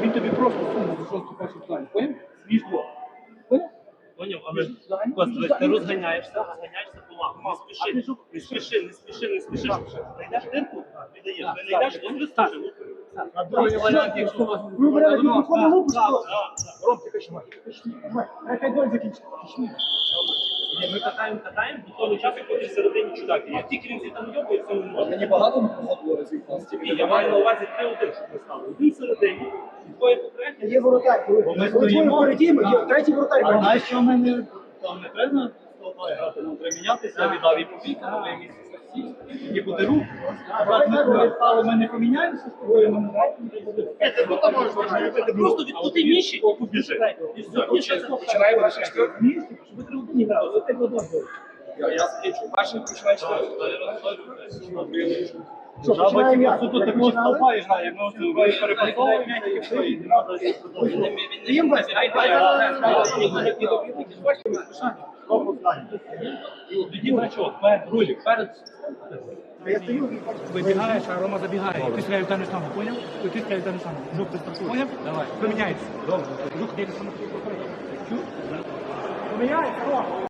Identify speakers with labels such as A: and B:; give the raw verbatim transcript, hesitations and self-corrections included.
A: він тобі просто суму за шосту першу плані. Поняв? Між двох. Поняв?
B: Поняв, але Костя, ти розганяєшся, розганяєшся помалу. Не спіши, не спіши, не спіши, не спіши. Знайдеш дирку, віддаєш. Не знайдеш, то не стане.
A: А другий варіант, якщо у вас... Ви варіант, ви виходили лупу, що? Ром, ти качмай. Хай гол закінчить.
B: Ми катаємо, катаємо, до того часу, поки всередині чудак. Як тільки він там йобує, це не може.
A: Мені багато було разів.
B: Ні, я маю на увазі три один, щоб ми стали. Один всередині, двоє попередні.
A: Є воротар, коли ми стоїмо перед тим, є третій воротар.
C: А знаєш, що в мене там не треба столбає грати, нам треба мінятися, я віддав і побіг, на моє місце статті, і буде рух. Брат, ми коли стали, ми не поміняємося з тобою, ми не
B: Ти просто відкрути ніші і побіжи. І все, і ще це
A: Починаємо на четвертому місці, щоб ви три одні грали. Це так одно.
C: Я скічу. Перший починає четвертий.
A: Що,
C: Жаба
A: починаємо
C: тільки
A: як?
C: суто такого столба і грає, ми ось перепасовуємо, і все, і не треба щось продовжувати.
A: Їм весь.
B: тоді значок, рулік, перед.
A: Я стою, вибігаєш, а Рома забігає. І ти стріляєш дану саму, поняв? І ти стріляєш дану саму. Жук, ти стартуєш. Поняв? Давай. Поміняється. Добре. Жук, ти саме. Поміняється, Рома.